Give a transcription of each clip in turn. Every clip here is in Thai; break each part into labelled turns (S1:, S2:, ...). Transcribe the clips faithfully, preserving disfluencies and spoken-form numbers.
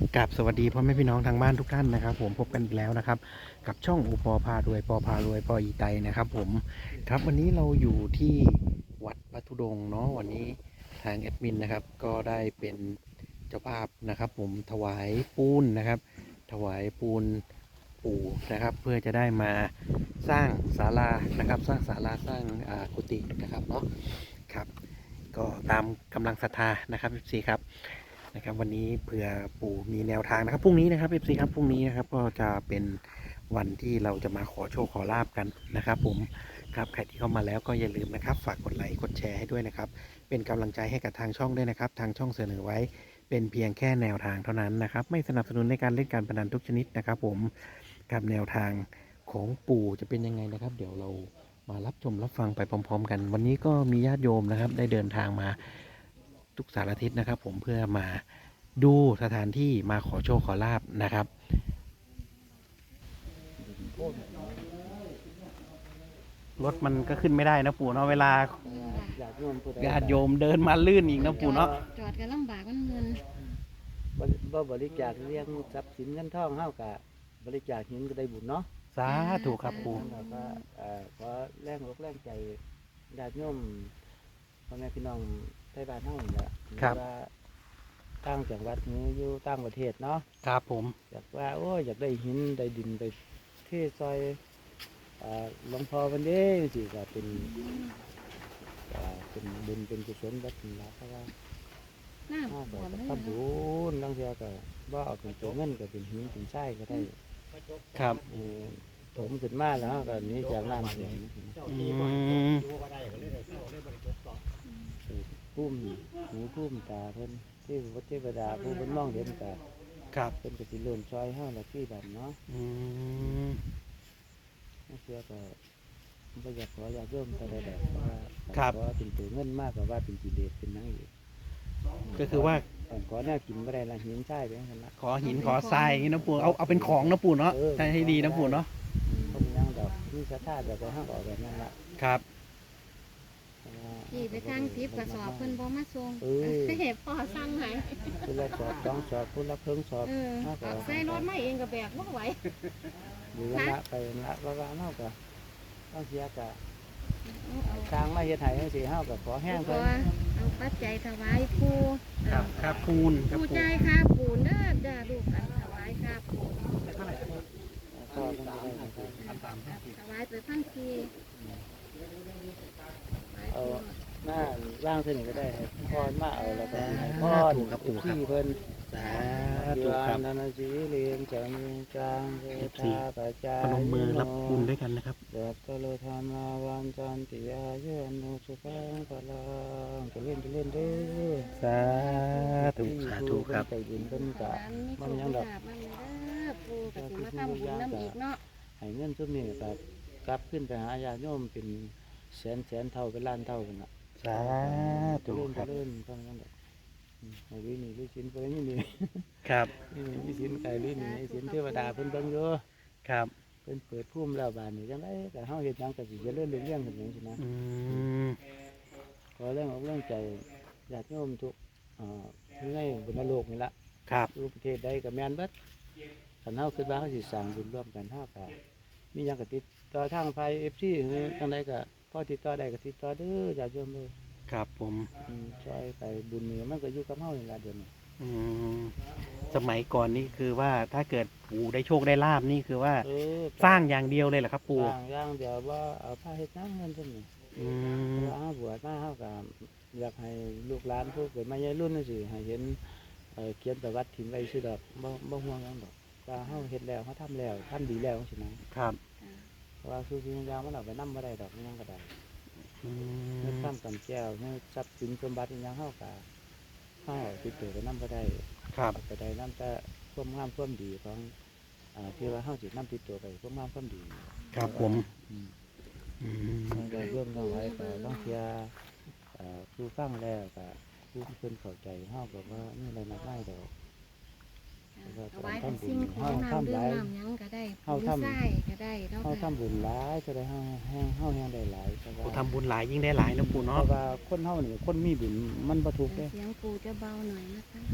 S1: กับสวัสดีพ่อแม่พี่น้องทางบ้านทุกท่านนะครับผมพบกันอีกแล้วนะครับกับช่องอุปอพารวยปอพารวยปออีไตนะครับผมครับวันนี้เราอยู่ที่วัดพระธุดงค์เนาะวันนี้ทางแอดมินนะครับก็ได้เป็นเจ้าภาพนะครับผมถวายปูนนะครับถวายปูนปู่นะครับเพื่อจะได้มาสร้างศาลานะครับสร้างศาลาสร้างกุฏินะครับเนาะครับก็ตามกำลังศรัทธานะครับพี่ครับนะครับวันนี้เผื่อปู่มีแนวทางนะครับพรุ่งนี้นะครับเอฟซีครับพรุ่งนี้นะครับก็จะเป็นวันที่เราจะมาขอโชคขอลาบกันนะครับผมครับใครที่เข้ามาแล้วก็อย่าลืมนะครับฝากกดไลค์กดแชร์ให้ด้วยนะครับเป็นกำลังใจให้กับทางช่องด้วยนะครับทางช่องเสนอไว้เป็นเพียงแค่แนวทางเท่านั้นนะครับไม่สนับสนุนในการเล่นการพนันทุกชนิดนะครับผมกับแนวทางของปู่จะเป็นยังไงนะครับเดี๋ยวเรามารับชมรับฟังไปพร้อมๆกันวันนี้ก็มีญาติโยมนะครับได้เดินทางมาทุกสารทิศนะครับผมเพื่อมาดูสถานที่มาขอโชคขอลาบนะครับรถมันก็ขึ้นไม่ได้นะปู่เนาะเวลา
S2: ญาติโยมผู้ใด
S1: ญาติโยมเดินมาลื่นอีกนะปู่เนาะ
S3: จอดกันลำบากมันเงิน
S2: บ่บ่บริจาคเลี้ยงทรัพย์สินเงินทองเฮาก็บริจาคหินก็ได้บุญเนาะ
S1: สาธุครับปู่
S2: แล้วก็เอ่อขอแรงอกแรงใจญาติโยมพ่อแม่พี่น้องไทยบ้านเฮานี่แหละว่าต่างจังหวัดนี้อยู่ต่างประเทศเนาะ
S1: ครับผม
S2: อยากว่าโอ้ยอยากได้หินได้ดินไปเทซอยเอ่อหลวงพ่อวันนี้สิก็เป็นเอ่อเป็นบุญเป็นกุศลแบบนี้ล่ะเพราะว่า
S3: หน้า
S2: ถ้า
S3: บ
S2: ก็
S3: วมเลย
S2: ทำบุญบางเทีก็ว่าเอาเป็นตัวเงินก็เป็นหินเป็นทรายก็ได้
S1: ครับ
S2: เออถมขึ้นมาแล้วก็หนี้จากน้ำเสียง
S1: อืม
S2: พุ่มหูพุ่มตาเพิ่นที่วัดเทวดาผู้เพิ่นมองเห็นก็
S1: ครับ
S2: เพิ่นก็สิเลื่อนซอยเฮาละที่บัดเนาะ
S1: อืม
S2: บางเทีก็บ่อยากขออยากโยมแต่ใดๆเพราะว่าขอเป็นตัวเงินมากกว่าว่าเป็นกิเลสเป็นหยังอีก
S1: ก็คือว่า
S2: ขอแนวกินบ่ได้ละหินทรายไปหั่นละ
S1: ขอหินขอทรายอย่างนี้นะปู่เอาเอาเป็นของนะปู่เนาะใช้ให้ดีนะปู่เนาะ
S2: ก็มีหยังดอกมีศรัทธาแบบไปเฮาก็เอาแบบนั้นละ
S1: ครับ
S3: ที่ไปทางทิพย์กระสอบเพิ่นบ่มาส่ง
S2: เออ
S3: เห็บพ่อสั่งให้
S2: คุณละสอบสองสอบคุณละเพิ่งสอบ
S3: เออ
S2: มากกว่า
S3: ใส่รถมาเองก็แบกบ่ไหว
S2: อยู่กันละไปละว่าว่าเฮาก็ต้องเสียกะ
S3: เอาเอา
S2: ทางมาเฮ็ดให้จังซี่เฮาก็ขอแห้ง
S3: เอา
S2: เพิ่น
S3: เอาปัจจัยถวายปู่
S1: ครับครับปูนครับ
S3: ปู่
S1: ปู่
S3: ใจายค่าปูนเด้อจ้าลูกอันถวายค่าปูน
S2: ก็ต้องได้นะครับ
S3: ถวายไปพันทีถวาย
S2: เอา
S3: ปู่
S2: หน้าร่างเท่านี้ก็ได้ให้พรมาเอาแล้วก็ให้พร
S1: ถูกครับปู่ครับ
S2: ที่เพิ่น
S1: สา
S2: อ
S1: ธุ
S2: ยู่
S1: ครับ
S2: นานาจีเรียงจะมีกลางเวทาปัจจา
S1: พนมมือรับปูนด้วยกันนะครับ
S2: เด็กก็เลยทำมาวันจันติยาเยนุสุขังพลังจะเล่นจะเล่นเด้อ
S1: สาธุสาธุครับ
S2: ใจบุญเป็นกะ
S3: ร้านมีโช
S2: มัน
S3: ค
S2: ยังดอก
S3: ลาภมันเด้อปู่ก็สิมาทำบุญน้ำอีกเนาะ
S2: ให้เงินซุมนี้ก็กลับขึ้นไปหาญาติโยมเป็นแสนแสนเท่าเป็นล้านเท่ากันน่ะ
S1: สาธุ
S2: เล่น
S1: ครับ
S2: เล่นเท่านั้นดอกอืมให้วินี่วิสินไปนี่นี่
S1: ครับ
S2: นี่วิสินไก่วินี่วิสินเทวดาเพิ่นเบิ่งอยู่
S1: ครับ
S2: เพิ่นเปิดภูมิแล้วบานนี้จังไดก็เฮาเฮ็ดหยังก็สิเจริญรุ่งเรืองขึ้นจังซี่นะ
S1: อืม
S2: ขอแรงอกแรงใจญาติโยมทุกเอ่ออยู่ในบนโลกนี่ละ
S1: ครับ
S2: อยู่ประเทศใดก็แม่นเบิดคันเฮาคิดว่าเฮาสิสร้างบุญร่วมกันเฮาก็มีหยังก็ติดต่อทางไฟ เอฟ ซี หรือจังไดก็พอติดต่อได้ก็ติดต่อเด้อญาติโยมเด้อ
S1: ครับผม
S2: อืมช่วยไปบุญนี่มันก็อยู่กับเฮานี่ล่ะเดี๋ยวนี้
S1: อืมสมัยก่อนนี่คือว่าถ้าเกิดปู่ได้โชคได้ลาบนี่คือว่า
S2: เออ
S1: สร้างอย่างเดียวเลยเหรอครับปู่
S2: สร้างอย่างเดียวว่าเอาผ้าเฮ็ดหยังเงินซั่นนี่
S1: อืม
S2: เพราะว่าเฮาบวชมาเฮาก็อยากให้ลูกหลานผู้เกิดมาใหญ่รุ่นจังซี่ให้เห็นเอ่อเขียนประวัติถิ่นไว้ซื่อดอกบ่บ่ห่วงหยังดอกว่าเฮาเฮ็ดแล้วเฮาทำแล้วทำดีแล้วจังซี่นะครับ เพราะว่าคือสิ่งอย่างมันเอาไปนำบ่ได้ดอกมันหยังก็ได้
S1: อื
S2: เงิน
S1: ม
S2: ทำกำแก้วเงินทรัพย์สินสมบัติอิหยังเฮาก็เฮาติดตัวไปนำบ่ได้
S1: ครับ
S2: ไปได้นำแต่ความงามความดีของอ่าที่ว่าเฮาสินำติดตัวไปความงามความดี
S1: ครับผม
S2: อืม
S1: อืม
S2: มันก็เรื่องเอาไว้ก็ต้องเทียเอ่อผู้ฟังแล้วก็ผู้เพิ่นเข้าใจเฮาก็ว่านี่อะไรมากมายดอก
S3: ถวายเป็นสิ่งของน้ำดื่มน้ำหยังก็ได้
S2: เฮา
S3: ปุ๋ย
S2: ทำ
S3: ไส้ก็ได้เนาะ
S2: เฮา
S3: ค่ะ
S2: ทำบุญหลายจะได้เฮาแห้งเฮาแห้งได้หลายเพราะ
S1: โอ้
S2: ว่า
S1: ทำบุญหลายยิ่งได้หลายนะปู่
S2: เพ
S1: เนาะ
S2: ราะว่าคนเฮานี่คนมีบุญมันบ่ทุกข์เด้
S3: เสียงปู่จะเบาหน่อยนะคะ
S2: ค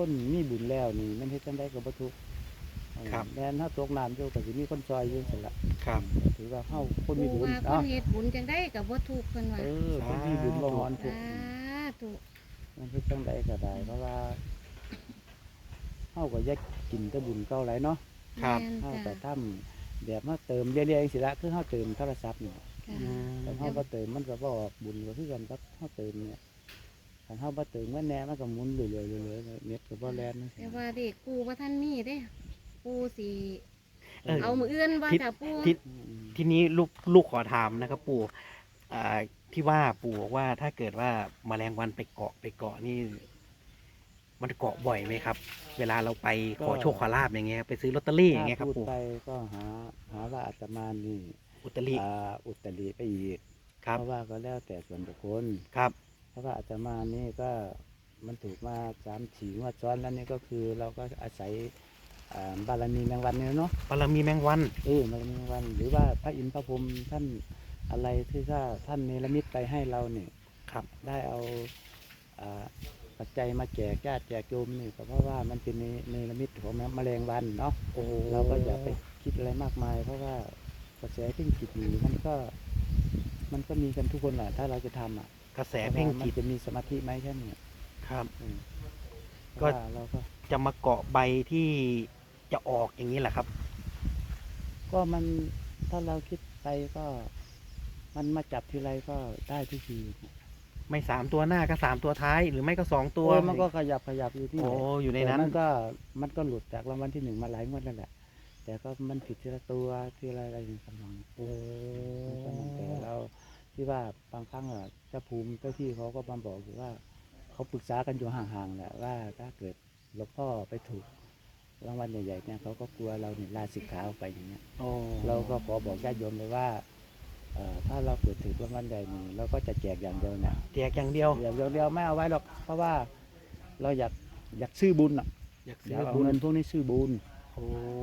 S2: คนมีบุญแล้วนี่มันเฮ็ดจังได๋ก็บ่ทุกข์เออ
S1: ครับ
S2: แม่นเฮาตกน้ำอยู่ก็สิมีคนซอยอยู่ซั่นล่ะ
S1: ครับ
S2: ถือว่าเฮาคนมี
S3: ปู
S2: บุญ
S3: ว่าค
S2: เนาะ
S3: นเฮ็ดบุญจังได้กับบ่ถูกเพิ่นว่า
S2: เออคนมีบุญบ่ฮอนทุก
S3: สา
S2: ข์
S3: ธุ
S2: มันเฮ็ดจังไดก็ได้เพราะว่าเฮาก็อยากกินแต่บุญเก่าหลายเนาะ
S1: ครับ
S3: แม่น
S2: เฮาก็
S3: จ้ะ
S2: ทำแบบมาเติมเรื่อยๆจังซี่ละคือเฮาเติมโทรศัพท์นี่
S3: ค่ะ
S1: อืม
S2: แต่เฮาบ่เติมมันก็บ่ออกบุญก็คือกันกับเฮาเติมเนี่ยถ้าเฮาบ่เติมมันแหน่มันก็หมุนเรื่อยๆๆๆเน็ตก็บ่แล่นจังซี่
S3: แต่ว่าเด็กปูว่าท่านมีเด้ปูสิ
S1: เออ
S3: เอามืออื่นบ่
S1: ทิศ
S3: จ้ะปู
S1: ทิศ
S2: อืม
S1: ทีนี้ลูกลูกขอถามนะครับปู่อ่าที่ว่าปู่บอกว่าถ้าเกิดว่าแมลงวันไปเกาะไปเกาะนี่ มันเกาะบ่อยไหมครับ เวลาเราไปขอโชคขอลาบอย่างเงี้ยไปซื้อลอตเตอรี่อย่างเงี้ยครับ
S2: ถ้าพูด
S1: ปู่
S2: ไปก็หาหาว่าอาตมานี่
S1: อุตริ
S2: อ่าอุตริไปอีก
S1: ครับ
S2: เพราะว่าก็แล้วแต่ส่วนบุคคล
S1: ครับ
S2: เพราะว่าอาตมานี่ก็มันถูกมาสามสี่งวดซ้อนแล้วนี่ก็คือเราก็อาศัยอ่าบารมีแมงวันเนี่ยเนาะ
S1: บารมีแมงวัน
S2: เออบารมีแมงวัน หรือว่าพระอินทร์พระพรหมท่านอะไรที่ถ้าท่านเนรมิตไปให้เราเนี่ย
S1: ครับ
S2: ได้เอาอ่าปัจจัยมาแจกญาติแจกโยมนี่ก็เพราะว่ามันเป็นเนเนรมิตของแมลงวันเนาะ
S1: โอ้
S2: เราก็อย่าไปคิดอะไรมากมาย เพราะว่ากระแสเพ่งจิตนี่มันก็มันก็มีกันทุกคนแหละถ้าเราจะทำอ่ะ
S1: กระแสเพ่ง
S2: ว่ามั
S1: จิ
S2: น
S1: ต
S2: จะมีสมาธิไหมแค่นี้
S1: ครับ
S2: อืม
S1: ก็
S2: เพราะว่าเราก็
S1: จะมาเกาะใบที่จะออกอย่างนี้แหละครับ
S2: ก็มันถ้าเราคิดไปก็ มันมาจับทีไรก็ได้ทุกที
S1: ไม่สามตัวหน้าก็สามตัวท้าย หรือไม่ก็สองตัว
S2: เออมันก็ขยับขยับอยู่ที่
S1: โอ้
S2: แหละ
S1: อยู่ใน
S2: แต่
S1: นั้น
S2: มันก็มันก็หลุดจากรางวัลที่หนึ่งมาหลายงวดแล้วแหละ แต่ก็มันผิดทีละตัวทีละอะไรอย่างเงี้ย
S1: โอ้
S2: แต่เราที่ว่าบางครั้งอ่ะเจ้าภูมิเจ้าที่เขาก็มาบอกอยู่ว่า เขาปรึกษากันอยู่ห่างๆแหละว่าถ้าเกิดหลวงพ่อไปถูกรางวัลใหญ่ๆเนี่ยเขาก็กลัวเราเนี่ยลาสิกขาออกไปอย่างเงี้ย
S1: โอ้
S2: เราก็ขอบอกญาติโยมเลยว่าเอ่อถ้าเราเกิดถือรางวัลใดนี่เราก็จะแจกอย่างเดียวเนี่ย
S1: แจกอย่างเดียว
S2: อย่างเดียวเดียวไม่เอาไว้หรอกเพราะว่าเราอยากอยากซื้อบุญอ่ะ
S1: อยาก
S2: อ
S1: ซื้
S2: ยา
S1: อก
S2: เอา
S1: บุญ
S2: เงินพวกนี้ซื้อบุญ
S1: โอ้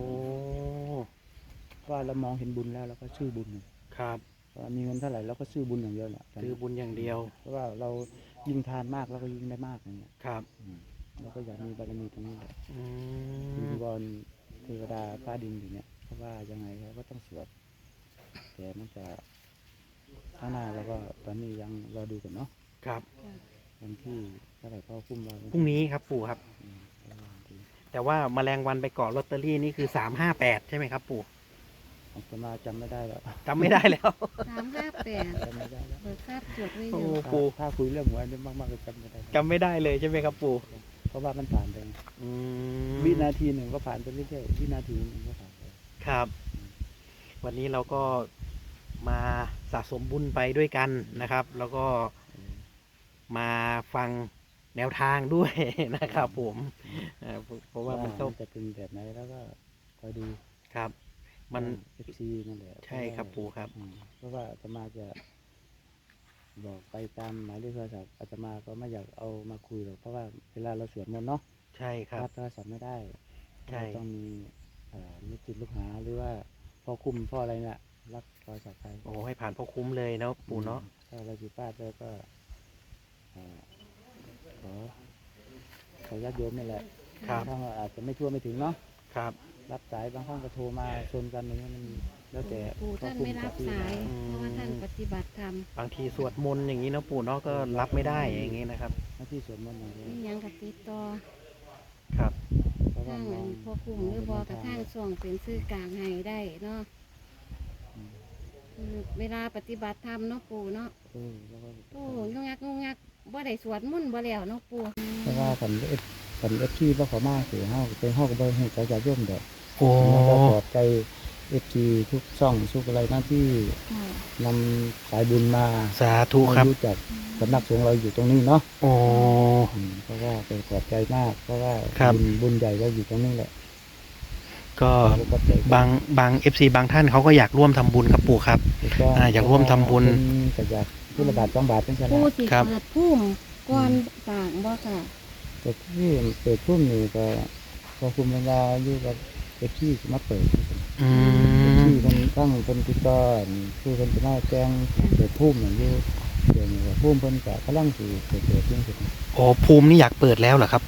S2: เพราะว่าเรามองเห็นบุญแล้วเราก็ซื้อบุญ
S1: ครับ
S2: เพราะว่ามีเงินเท่าไหร่เราก็ซื้อบุญอย่างเดียวแหละ
S1: ซื้อบุญอย่างเดียว
S2: เพราะว่าเรายิ่งทานมากเราก็ยิ่งได้มากอย่างเงี้ย
S1: ครับ
S2: อืมเราก็อยากมีบารมีตรงนี้แหละ
S1: อื
S2: วิ
S1: ม
S2: งวอนเทวดาฟ้าดินอยู่เนี่ยเพราะว่ายังไงเราก็ต้องสวดแต่มันจะข้างหน้าเราก็ตอนนี้ยังรอดูกันเนาะ
S1: ครับ
S2: วันที่เท่าไหร่พ่อคุ้มเรา
S1: พรุ่งนี้ครับปู่ครับ
S2: อืมก็ว่าดี
S1: แต่ว่าแมลงวันไปเกาะลอตเตอรี่นี่คือสามห้าแปดใช่ไหมครับปู่
S2: อาตมาจำไม่ได้แล้ว
S1: จำไม่ได้แล้ว
S3: สามห้าแปด
S2: จำไม่ได้แล้ว
S3: เบิกทราบจดไว้อ
S1: โอ้
S3: ยู่
S1: ปู่
S2: ถ้าคุยเรื่องหวยนี่มากๆก็จำไม่ได้
S1: จำไม่ได้เลยใช่ไหมครับปู่
S2: เพราะว่ามันผ่านไป
S1: อืม
S2: วินาทีหนึ่งก็ผ่านไปเรื่อยๆวินาทีหนึ่งก็ผ่านไป
S1: ครับ วันนี้เราก็มาสะสมบุญไปด้วยกันนะครับ แล้วก็มาฟังแนวทางด้วย นะครับผมเอ่อเพราะว่ามันต้อง
S2: จะเป็นแบบไหนแล้วก็คอยดู
S1: ครับ มัน
S2: เอฟซีนั่นแหละ
S1: ใช่ครับปู่ครับ
S2: อืมเพราะว่าอาตมาจะบอกไปตามหมายเลขโทรศัพท์อาตมาก็ไม่อยากเอามาคุยหรอกเพราะว่าเวลาเราสวดมนต์เนาะ
S1: ใช่ครับ
S2: รับโทรศัพท์ไม่ได้
S1: ใช่
S2: เราต้องมีเอ่อลูกศิษย์ลูกหาหรือว่าพ่อคุ้มพ่ออะไรเนี่ยรับโทรศัพท์ไป
S1: โอ้ให้ผ่านพ่อคุ้มเลยเนาะปู่เนาะ
S2: ถ้าเราผิดพลาดแล้วก็เอ่อขอขอญาติโยมนี่แหละ
S1: ครับ
S2: ถ้าว่าอาจจะไม่ทั่วไม่ถึงเนาะ
S1: ครับ
S2: รับสายบางครั้งก็โทรมาชนกันอย่างเงี้ยมันแล้วแต่
S3: ปู่ท่านไม่รับสายเพราะว่าท่านปฏิบัติธรรม
S1: บางทีสวดมนต์อย่างนี้เนาะปู่เนาะก็รับไม่ได้อย่างนี้นะครับ
S2: หน้าที่สวดมนต์อย่างเดียว
S3: นี่ยังกับติดต่อ
S1: ครับ
S2: เพราะว่า
S3: ทาง
S2: ม
S3: อั
S2: อง
S3: นพ่อคุมหรือบอกกับทางส่งเป็นซื้อกลางให้ได้เนาะ
S2: อืม
S3: คือเวลาปฏิบัติธรรมเนาะปู่เนาะ
S2: เออแล้วก็
S3: ปู่งงงักงงงักบ่ได้สวดมนต์บ่แล้วเนาะปู่
S2: เพราะว่าผมเอฟผมเอฟที่ว่าเขามากคือเฮาเป็นเฮาก็บ่ให้เขาจะย่อมดอก
S1: โอ้
S2: แล้วก็ปลอบใจเอฟทีทุกช่องทุกอะไรนั่นที่
S3: ค่ะ
S2: นำสายบุญมา
S1: สาธุครับ
S2: ให้รู้จักสำนักสงฆ์เราอยู่ตรงนี้เนาะ
S1: โอ้
S2: อืมเพราะว่าเป็นปลอบใจมาก เพราะว่า
S1: ครับ
S2: บุญบุญใหญ่เราอยู่ตรงนี้แหละ
S1: ก็
S2: เราก็ใจ
S1: บางบางเอฟซีบางท่านเขาก็อยากร่วมทำบุญครับปู่ครับ อ่าอยากร่วมทำบุญ
S2: เพิ่นก็อยากผู้ละบาทสองบาทเป็นขนา
S3: ปู่
S2: ด
S3: สิ
S1: ครับ
S3: เปิดพุ่มก่อนสร้างบ่ค่ะ
S2: แต่ที่เปิดพุ่มนี่ก็พอคุมเวลาอยู่กับเอฟที่มาเปิด
S1: อื
S2: เอฟ
S1: ม
S2: ที่คนตั้งคนติดต่อคือคนจะมาแจ้งเปิดพุ่มอย่างอยู่เดี๋ยวนี้ว่าพุ่มเพิ่นก็กำลังสิเปิดเปิดเรื่องสิ
S1: โอ้ภูมินี่อยากเปิดแล้วเหรอครับปู่
S2: ค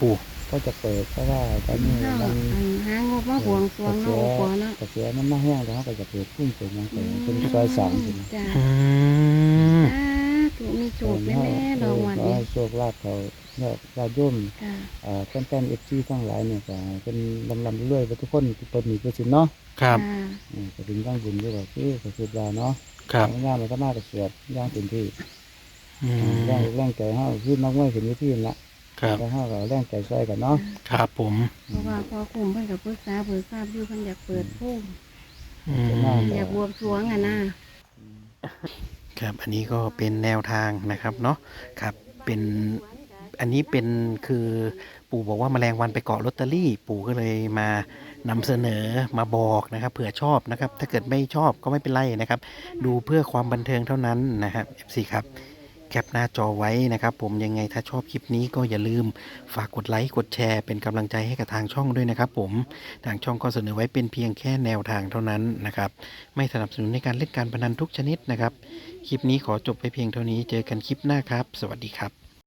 S2: ก็จะเปิดเพราะว่าตอนนี้
S3: เฮา
S2: มัน
S3: อันหางบมาบวงสรวงเนาะโอปอเนาะ
S2: กระแสมันมาแห้งแล้วเขาก็จะเปิดพุ่งเปิดหยังไปเป็นซอยสามสินะ
S3: จ้า
S1: อืม
S3: สาธุมีโชคแน่ๆดอกวัน
S2: ขอ
S3: นี้
S2: ให้โชคลาภเขาเนี่ยญาติโยม
S3: จ้า
S2: เอ่อแฟนๆเอฟซีทั้งหลายเนี่ยก็เป็นลำลำรวยๆไปทุกคนทุกคนมีเพื่อสินเนาะ
S1: ครับ
S3: จ้า
S2: อืมก็ถึงตั้งบุญด้วยก็คือก็คือว่าเนาะ
S1: ครับ
S2: งานมันก็มาแต่เสียดย่างเต็มที่
S1: อื
S2: แรง
S1: ม
S2: แรงใจเฮาคือนักมวยเป็นวิธีนั่นละ
S1: ครับ
S2: แล้วเฮาก็แรงใจช่วยกันเนาะ
S1: ครับผม
S3: เพราะว่าพอคุมเพิ่นก็ปรึกษาเบิกทราบอยู่เพิ่นอยากเปิดพุ่ม
S1: อืม
S3: อยากบวงสรวงอ่ะนะ
S1: ครับอันนี้ก็เป็นแนวทางนะครับเนาะครับเป็นอันนี้เป็นคือปู่บอกว่าแมลงวันไปเกาะลอตเตอรี่ ปู่ก็เลยมานำเสนอมาบอกนะครับเผื่อชอบนะครับ ถ้าเกิดไม่ชอบก็ไม่เป็นไรนะครับ ดูเพื่อความบันเทิงเท่านั้นนะครับ เอฟ ซี ครับแคปหน้าจอไว้นะครับ ผมยังไงถ้าชอบคลิปนี้ก็อย่าลืมฝากกดไลค์กดแชร์เป็นกำลังใจให้กับทางช่องด้วยนะครับ ผมทางช่องก็เสนอไว้เป็นเพียงแค่แนวทางเท่านั้นนะครับ ไม่สนับสนุนในการเล่นการพนันทุกชนิดนะครับ คลิปนี้ขอจบไปเพียงเท่านี้เจอกันคลิปหน้าครับ สวัสดีครับ